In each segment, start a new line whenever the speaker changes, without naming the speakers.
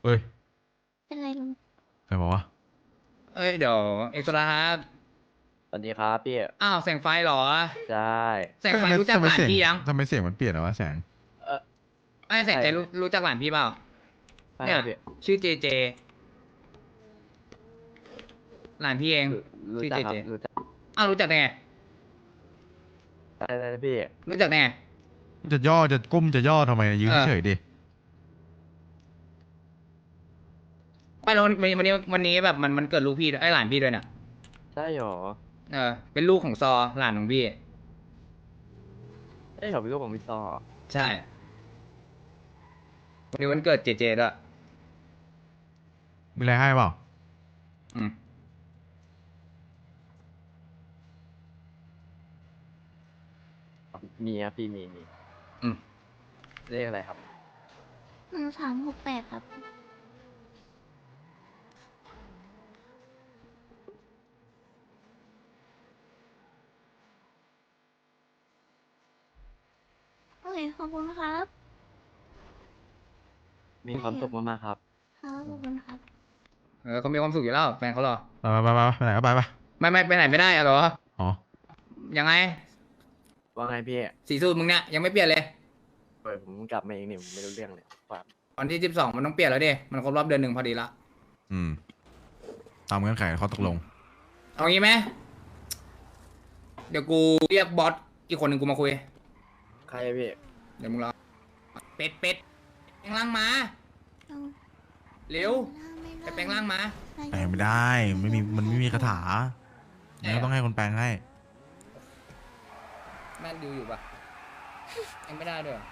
ฮ้ย
เป็นไรลุง
ใครบอกว่า
เอ้ยเดี๋ยวเอ็กซ์ตร้าครับ
สวัสดีครับพี่
อ้าวแสงไฟเหรอ
ใช่
แสงไฟรู้จักหลานพี่ยัง
ทำไมเสียงมันเปลี่ยนอะวะแสง
เออ
ไอ้แสง
ใช่
ใจรู้จักหลานพี่เปล่าเนี่ย
ใช่ครับพี่
ชื่อเจเจหลานพี่เอง
รู้รู้
ชื่อเจเจ
จักครับรู้จัก
อ้าวรู้จักได้ไง
ได้พี่
รู้จักได้ไง
จะย่อจะก้มจะย่อทำไมยืน
เออ
เฉยๆดิ
ไม่แล้ววันนี้แบบมันเกิดลูกพี่ด้วยไอ้หลานพี่ด้วยเนี่ย
ใช่หรอ
เออเป็นลูกของซอหลานของพี่
ใช่หรอพี่ก็ผมพี่ต่อ
ใช่วันนี้วันเกิดเจเจด้วย
มีอะไรให้เปล่า
อืม
มีครับพี่มี
อืม
เลขอะไรครับ
1368ครับโอเคขอบคุณครับ
มีความสุขมากๆครับ
ครับขอบคุณครับ
เออเขามีความสุขอยู่แล้วแฟนเขาหรอ
ไปไหนก็ไป
ไม่ไปไหนไม่ได้อะเหรอ
อ๋อ
ยังไง
ว่าไงพี่
สีสูตรมึงเนี่ยยังไม่เปลี่ยนเลย
เปิดผมกลับมาเองนี่ผมไม่รู้เรื่องเลยฝาก
วันที่12มันต้องเปลี่ยนแล้วดิมันครบรอบเดือนหนึ่งพอดีละ
อืมตามเงื่อนไขข้อตกลง
เอางี้ไหมเดี๋ยวกูเรียกบอสอีกคนหนึ่งกูมาคุย
ใครอะพี่
เดี๋ยวมึงรอเป็ดแปลงร่างมา
เอา
เร็ว
ไม่
ไป
ได้
แปลงร่างมา
แปลงไม่ได้มันไม่มีคาถางั้นก็ต้องให้คนแปลงให้
แม่นดูอยู่ปะยังไม่ได้ด้วยเหรอ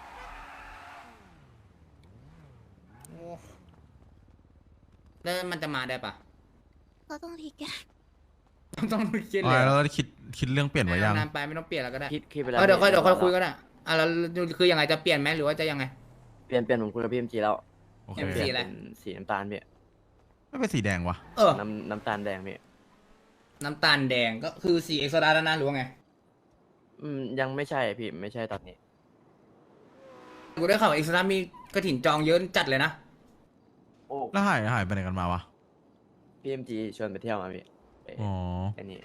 โอ้แล้วมันจะมาได้ปะ
ก็ต้องทีแก
ต้องคิด
อ๋
เลย
อแล้วคิดเรื่องเปลี่ยนไว้ยัง
นานไปไม่ต้องเปลี่ยนแล้วก็ได้
คิดไปแล้ว
เออเดี๋ยวค่อย
พี่
คุยก็ได้อ่ะแล้วคือยังไงจะเปลี่ยนไหมหรือว่าจะยังไง
เปลี่ยนผมคุยกับพี่เอ็มจีแล้ว
โอเค
MC
เปลี่ยน
อะไร
เป็นสีน้ำตาลพี่
ไม่เป็นสีแดงวะ
เออ
น้ำตาลแดงพี่
น้ำตาลแดงก็คือสีเอ็กซ์โซดาแล้วนะหรือว่าไง
ยังไม่ใช่พี่ไม่ใช่ตอนนี้
กูได้ข่าวเอ็กซ์โซดามีกระถิ่นจองเยอะจัดเลยนะ
โอ้
แล้วหายไปไหนกันมาวะ
พี่เอ็มจีชวนไปเที่ยวมาพี่ไป
อ๋อ
อันนี้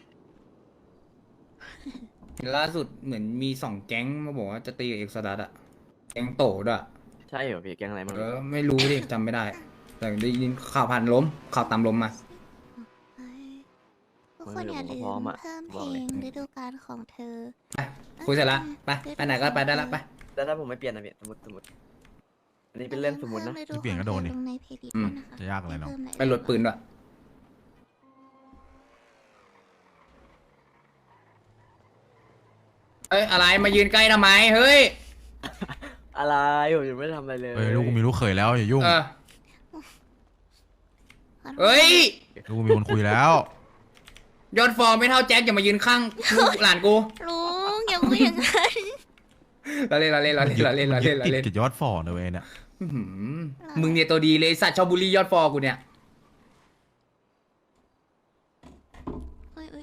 ล่าสุดเหมือนมี2 แก๊งมาบอกว่าจะตีกับเอ็กซ์ดัสอะแก๊งโตด้วย
ใช่เหรอพี่แกงอะไรมั้ง
ไม่รู้ดิจำไม่ได้ แต่ได้ยินข่าวผ่านล้มข่าวตามล้มมา
ทุกคนอย่าลืมเพิ่มเพลงฤดูกาลของเธอ
คุยเสร็จละไปไหนก็ไปได้ละไป
แล้วถ้าผมไม่เปลี่ยนนะพี่สมมติอันนี้เป็นเรื่องสมมตินะ
จะเปลี่ยนก็โดนนี่
ลงในเพลย์ลิสต์
อืม
ด้วยนะคะ
จะยากอะไรเนาะ
ไปหลดปืนด้วยเอ้ยอะไรมายืนใกล้ทำไมเฮ้ย
อะไรผมยังไม่ได้ทำอะไรเลย
เอ้ยลูกกูมีลูกเขยแล้วอย่ายุ่ง
เออเฮ้ย
ลูกกูมีคนคุยแล้ว
ยอดฟอร์มไม่เท่าแจ็คอย่ามายืนข้างลูกหลานกู
ลุงอย่าพูดอย่างนั้น
เราเล่น
ติดกับยอดฝ่อนะเว้ยเนี่ย
อื้อหือมึงเนี่ยตัวดีเลยสัตว์ชอบบูลลี่ยอดฟอร์กูเนี่ย
เอ้ย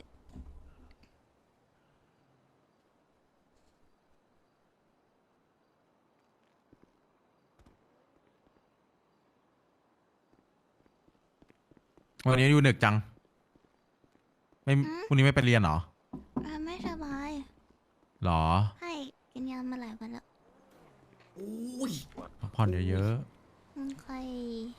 วันนี้อยู่ดึกจังไม่พรุ่งนี้ไม่ไปเรียนเหรอ
ไม่สบาย
หรอ
ให้กินยามาหลายวันแล้ว
อุ้ย
พักผ่อนเยอะ
ค่อย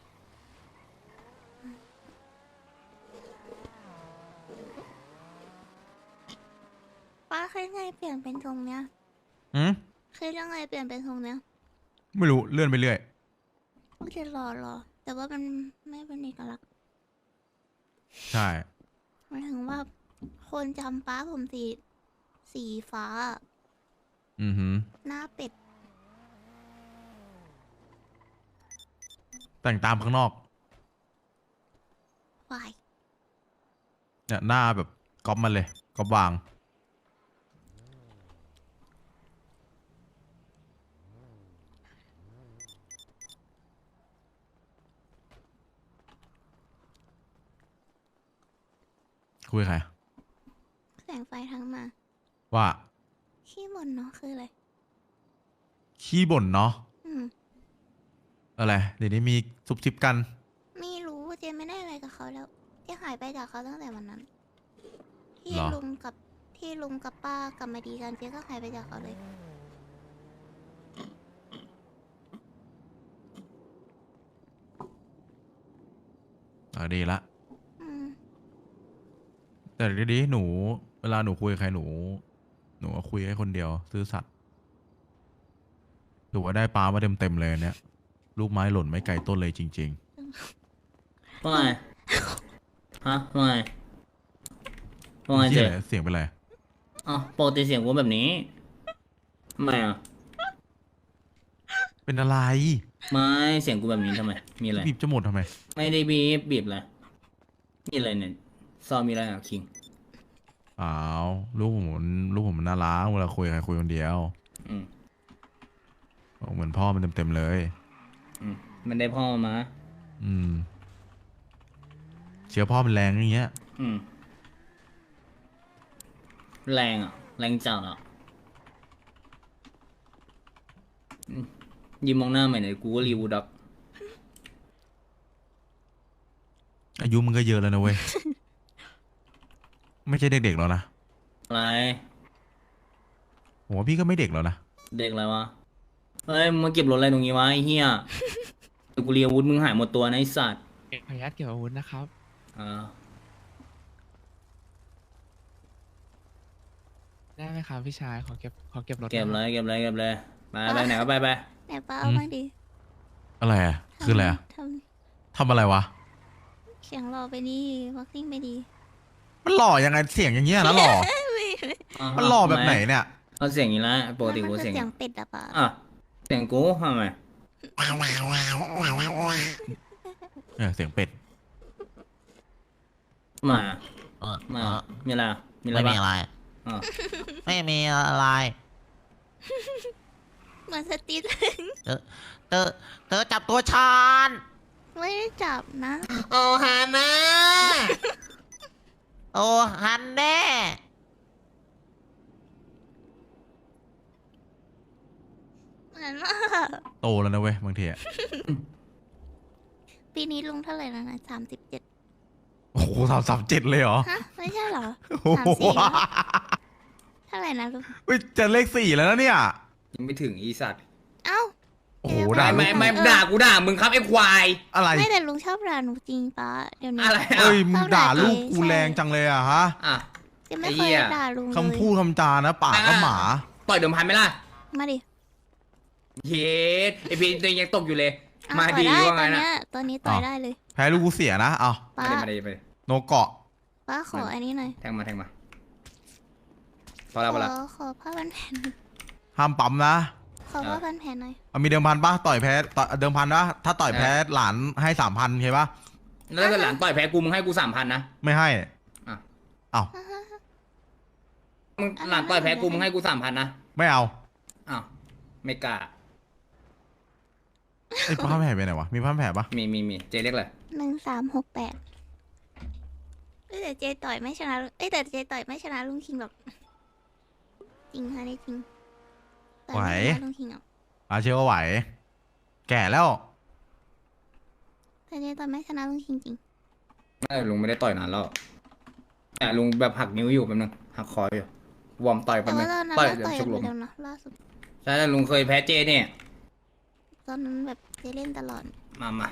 ป้าเคยไงเปลี่ยนเป็นทรงเนี้ย
ๆอืม
เคยยังไงเปลี่ยนเป็นทรงเนี้ย
ไม่รู้เลื่อนไปเรื่อย
ก็จะรอแต่ว่ามันไม่เป็นเอกลักษณ์
ใช่
หมายถึงว่าคนจำป้าผมสีฟ้า
อือหือ
หน้าเป็ด
แต่งตามข้างนอก
วาย
เนี่ยหน้าแบบก๊อปมันเลยก๊อปวางคุยกับใคร
แสงไฟทั้งมา
ว่า
ขี้บ่นเนาะคืออะไร
ขี้บ่นเนาะ
อืม
อะไรเดี๋ยวนี้มีซุบซิบกัน
ไม่รู้เจไม่ได้อะไรกับเขาแล้วเจหายไปจากเขาตั้งแต่วันนั้น ที่
เหรอ
ลุงกับป้ากลับมาดีกันเจก็หายไปจากเขาเลย
ดีละ
อืม
แต่ดีๆหนู เวลาหนูคุยกับใครหนูก็คุยให้คนเดียวซื่อสัตย์ถือว่าได้ปลามาเต็มๆเลยอันเนี่ยลูกไม้หล่นไม่ไกลต้นเลยจริง
ว่าไงฮะว่าไง
ๆ
ว่าไง
เสี
เจ๊
ยงเสียงเป็นไร
อ๋อปกติเสียงกูแบบนี้ทำไมอ่ะ
เป็นอะไร
ไม่เสียงกูแบบนี้ทำไม มีอะไร
บีบจะหมดทำไม
ไม่ได้บีบอะไรมีอะไรเนี่ยซอมีอะไรอ่ะคิง
อ้าวลูกผมมันน่ารักเวลาคุยกับใครคุยคนเดียว
อืม
เหมือนพ่อมันเต็มๆเลย
อืมมันได้พ่อมา
อืมเชื้อพ่อมันแรงอย่างเงี้ย
อืมแรงอ่ะ แรงจัดอ่ะอืมยิ้มมองหน้าใหม่หน่อยกูก็รีวูดด็อก
อายุมึงก็เยอะแล้วนะเว้ย ไม่ใช่เด็กๆแล้วนะ
อะไร
ผมว่าพี่ก็ไม่เด็กแล้วนะ
เด็กอะไรวะเฮ้ยมึงมาเก็บรถอะไรตรงนี้วะไอ้เหี้ยเดี๋ยวกูเรียนอาวุธมึงหายหมดตัวนะไอ้สัตว์
ขออนุญาตเก็บอาวุธนะครับ
อ่า
ได้ไหมครับพี่ชายขอเก็บรถ
เก็บ
ห
เล
น่อย
เก็บเลยเก็บเลยไปไหนก็ไป
ไหนป้าเอามาดิ
อะไรอะคืออะไรอะ
ท
ทำอะไรวะ
ำเสียงรอไปดีวัคซิ่งไปดี
มันหล่อยังไงเสียงอย่างเงี้ยนะหล่อ มันหล่อแบบไหนเนี่ย
เอาเสียงอย่างนี้ละปกติ
มัน
กู
คือ
เสียง
เสียงเป็ดอะป้า
อ่ะเสียงกูทำไม
เสียงเป็ด
มามามีอะไรมีอะไร
ไม่มี
บ้าง
อะไร
อ่ะ
ไม่มีอะไร
เหมือนสติล
เธอจับตัวฉัน
ไม่ได้จับนะ
โอ้ฮานะโอ้ฮันแน่
เหมือนมาก
โตแล้วนะเว้ยบางทีอะ
ปีนี้ลุงเท่าไหร่แล้วนะ37
โอ้โห37เลยเหรอ
ฮะไม่ใช่เหรอ
โอ้โห
34แล้วเท่าไหร่นะลุง
เฮ้ยจะเลข4แล้วนะเนี่ย
ยังไม่ถึงอีสัตว์
เอ้า
โอ้โห
เดี๋ยว
ด่า
ไม่ไม่ด่ากูด่ามึงครับไอ้ควาย
อะไร
ไม่แต่ลุงชอบด่าหนูจริงป้าเดี๋ยวนี้
อะไร
เอ้ย
อ่ะ
มึงด่าลูกกูแรงจังเลยอะฮะ
อ่ะ
จะไม่
ไอ้
เค
เหี้
ย
ย
ด่าลุงเลย
คำพูดคำจานะปากก็หมา
ต่อยเดิมพันไหมล่ะ
มาดิ
เย็ดไอพีตัวเองยังตกอยู่เลย
เอา
มา
ต่อย
ดี
ได้
ว่า
ต
ไง
อน
นะ
เนี้ยตอนนี้ต่อย
อ้าว
ได้เลย
แพ้ลูกกูเสียนะเอา
ป้า
มาดีมาดี
โนเกาะ
ป้าขออันนี้หน่อย
แทงมาพอแล้วพอแล้ว
ขอผ้าพันแผ่น
ห้ามปั๊มนะ
ขอผ้าพันแผ่นหน่อย
เอามีเดิมพันปะต่อยแพ้เดิมพันนะถ้าต่อยแพ้หลานให้3,000ใช่ปะ
แล้วถ้าเกิดหลานต่อยแพ้กูมึงให้กู3,000นะ
ไม่ให้
อ่ะ
เอา
มึงหลานต่อยแพ้กูมึงให้กู3,000นะ
ไม่เอา
อ้าวไม่กล้า
ไอ้ผ้าแผลไปไหนวะมีผ้าแผลปะ
มีเจเรียกเลย
1368แต่เจต่อยไม่ชนะแต่เจต่อยไม่ชนะลุงคิงหรอกจริงค่ะนี่จริงต่อยไม่ชนะลุงคิงหรอก
อาเชื่อว่าไหว แก่แล้ว
แต่เจต่อยไม่ชนะลุงคิงจริง
ไม่ลุงไม่ได้ต่อยนานแล้วแต่ลุงแบบหักนิ้วอยู่แป๊บนึงหักคออยู่วอร์มต่อยแป๊
แต่
บนึ
ว่าง ตอนนั้น
ต่อย
เรา
เดี๋ยว
ต่อย
ชุ
กั
ก
น
ลม
เดียวนะล่าสุด
ใช่ลุงเคยแพ้เจเนี่ย
ตอนนั้นแบบเจเล่นตลอด
มา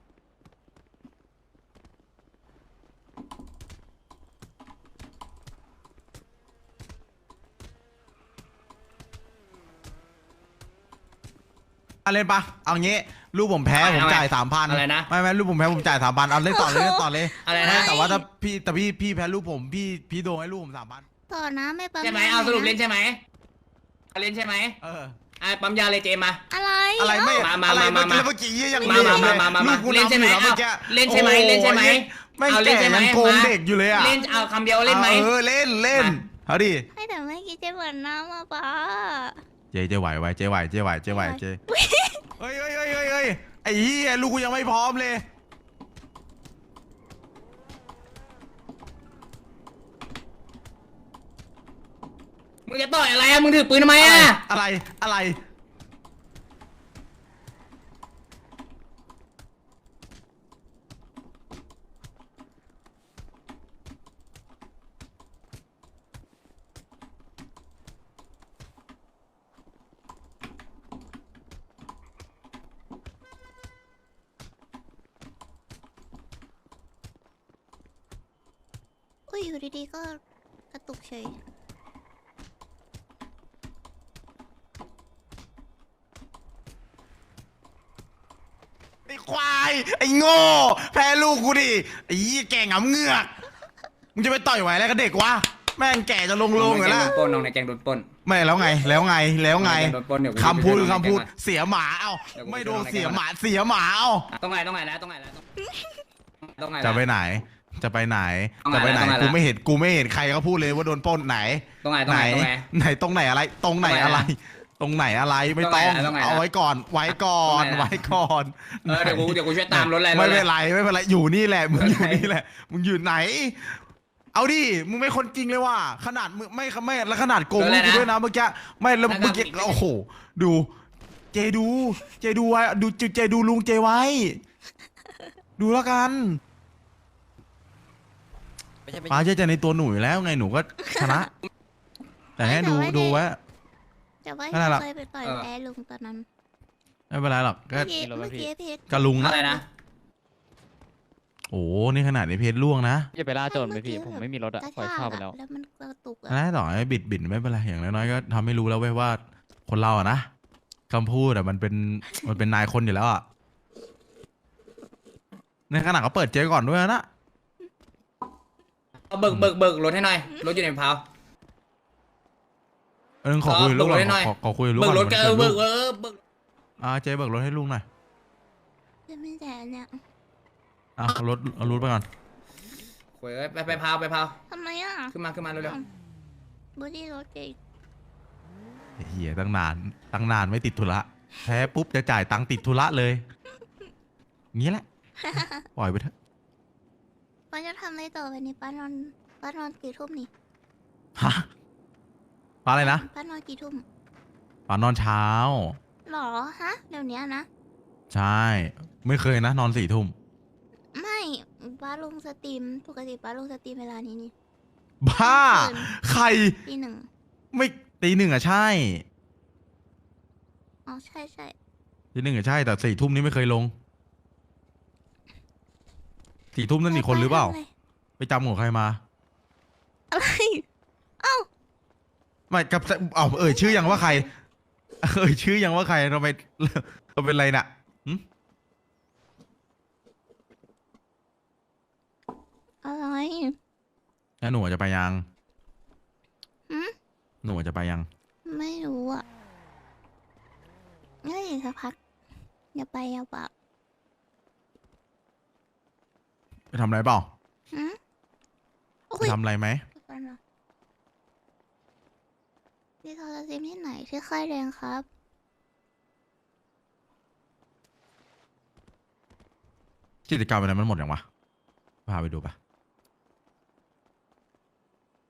เล่นปะเอางี้ลูกผมแพ้ผมจ่าย3,000
อะไรนะ
ไม่ลูกผมแพ้ผมจ่าย3,000เอาเล่นต่อเลยเล่นต่อเลย
อะไร
ไม่
นะ
แต่ว่าถ้าพี่แพ้ลูกผมพี่โดนให้ลูกผม3,000
ต่อนะไม่ปั๊ม
ใช่ไหม
ย
เอาสรุป
ะ
เล่นใช่ไหมเอาเล่นใช่ไหม
เออ
ปั๊มยาเลยเจมา
อะไร
อะไรไม่
มา
อะไร
มา
เมื่อกี้ยัง
มา
ลูกกู
เล่นใช่ไหม
ำอยู่แล้ว
เล่นใช่ไหม
มื่อกี้
เล่นใช่ไหม
โอ้ยไม่
เอาเล่น
แก่
ใช่ไหม
ยังโกง
มา
เด็กอยู่เลยอ่ะ
เล่นเอาคำเดียวเล่นไหม
เออเล่น
มา
เอาดิ
ให้แต่เมื่อกี้เจเหมือนน้ำอ่ะป้า
เจ๊ไหวเจ๊ไหวเฮ้ยไอ้เหี้ยลูกกูยังไม่พร้อมเลย
มึงจะต่อยอะไรอะมึงถือปืนทำไมอะ
อะไร
ยอยู่ดีๆก็กระตุกเฉย
ไอ้ควายไอ้โง่แพ้ลูกกูดิไอ้ยี่แก่งำเงือกมึงจะไปต่อยไหวอะไรกับเด็กวะแม่งแก่จะลงอยู่แล้ว
น้องในแกงโดนปล้น
ไม่แล้วไงแล้วไงแล้วไง
น้องในแกงโดนปล้นเดี๋ยวกู
คำพูด
ไปช่วยน้องใน
คำพูด
แก๊งก่อน
เสียหมาเอ้า
เดี๋ยวกู
ไม่โดน
ไปช่วยน้องในแก๊ง
เสียหมาเสียหมาเอ้า
ต้องไงแล้วต้องไงแล้วต้องไงแล้ว
จะไปไหนจะไปไหน
ต้องไง
จะไปไหน
ต้องไง
กูไม่เห็นใครเขาพูดเลยว่าโดนปล้นไหน
ต้องไง
ไหน
ต้องไง
ไหนตรงไหนอะไร ตรงไหนอะไร ตรงไหนอะไรไม่ต้อง
ต้องไง
เอาไว้ก่อนไว้ก่อน
ต้องไง
ไว้ก่อน
เดี๋ยวกูช่วยตามรถอะไร
ไม่เป็นไรไม่เป็นไรอยู่นี่แหละมึงอยู่นี่แหละมึงอยู่ไหน เอาดิมึงไม่คนจริงเลยว่ะขนาดมึงไม่แล้วขนาดโกงลูกกูด้วยนะเมื่อกี้ไม่แล้วเมื่อกี้โอ้โหดูเจดูไว้ดูเจดูลุงเจไว้ ดูแล้วกัน
ไม่ใช่ไม่
ป้า
ใช่
เชื่อใจในตัวหนูอยู่แล้วไงหนูก็ชนะ แต่ให้ดูไว้
แต่ว่า
นั่นแหละ
เคยไปต่อยแพ้ลุงตอนนั้น
ไม่เป็นไรหรอกก็
เมื่อกี้เพชร
กะลุงนะ
อะไรนะ
โอ้นี่ขนาดในเพจล่วงนะ
อย่าไปล่าโจรไปพี่ ผมไม่มีรถอะ
กระ
ปล่อย
ชา
เช่าก ไปแล้ว
แล้วมันกระตุกอะ
นะต่อให้บิดไม่เป็นไรอย่างน้อยๆก็ทำให้รู้แล้วเว้ยว่าคนเราอะนะคำพูดอะมันเป็นนายคนอยู่แล้วอะในขณะเขาเปิดเจ๊ก่อนด้วยนะ
เอาเบิกรถให้หน่อยรถอยู่ในพาว
ขอคุยลูกหน่อย
เบิกรถให้หน่อย
ขอคุยลูก
เบิกรถ
ก่
ก็
อน
เบิก
เจ๊เบิกรถให้ลุงหน่อย
จะไม่แต่เนี่ย
เอารถไปก่อน
โอ้ยไปพาว
ทำไมอ่ะ
ขึ้นมาเร็ว
บอดี้รถเก่ง
เฮียตั้งนานไม่ติดธุระแพ้ปุ๊บจะจ่ายตังค์ติดธุระเลยงี้แหละ ปล่อยไปเถอะ
ป้าจะทำอะไรต่อไปนี้ป้านอนกี่ทุ่มนี่
ฮะปาอะไรนะ
ป้านอนกี่ทุ่ม
ปานอนเช้า
หรอฮะเดี๋ยวนี้นะ
ใช่ ไม่เคยนะนอน4 ทุ่ม
ไม่ป้าลงสตรีมปกติป้าลงสตรีมเวลานี้นี่
บ้า ใคร
ตีหนึ่ง
ไม่ตี 1อะใช่
อ๋อใช่
ตี 1อะใช่แต่4 ทุ่มนี้ไม่เคยลง4 ทุ่มนั่นอีกคนหรือเปล่า ไปจำของใครมา
อะไร
ไม่กับชื่อยังว่าใคร ชื่อยังว่าใครทำไมเราเป็นไรน่ะหึ
อะไร
แล้วหนูจะไปยัง
หืม
หนูจะไปยัง
ไม่รู้อ่ะงั้นอีกสักพักอย่าไปอย่าเปล่า
ไปทำอะไรเปล่า
หืมโอ้
ไป
ย
ทำอะไรไหม
เดี๋ยวก่อนนะมีโทรศัพท์ที่ไหนที่ค่ายแรงครับ
กิจกรรมอะไรมันหมดยังวะพาไปดูปะ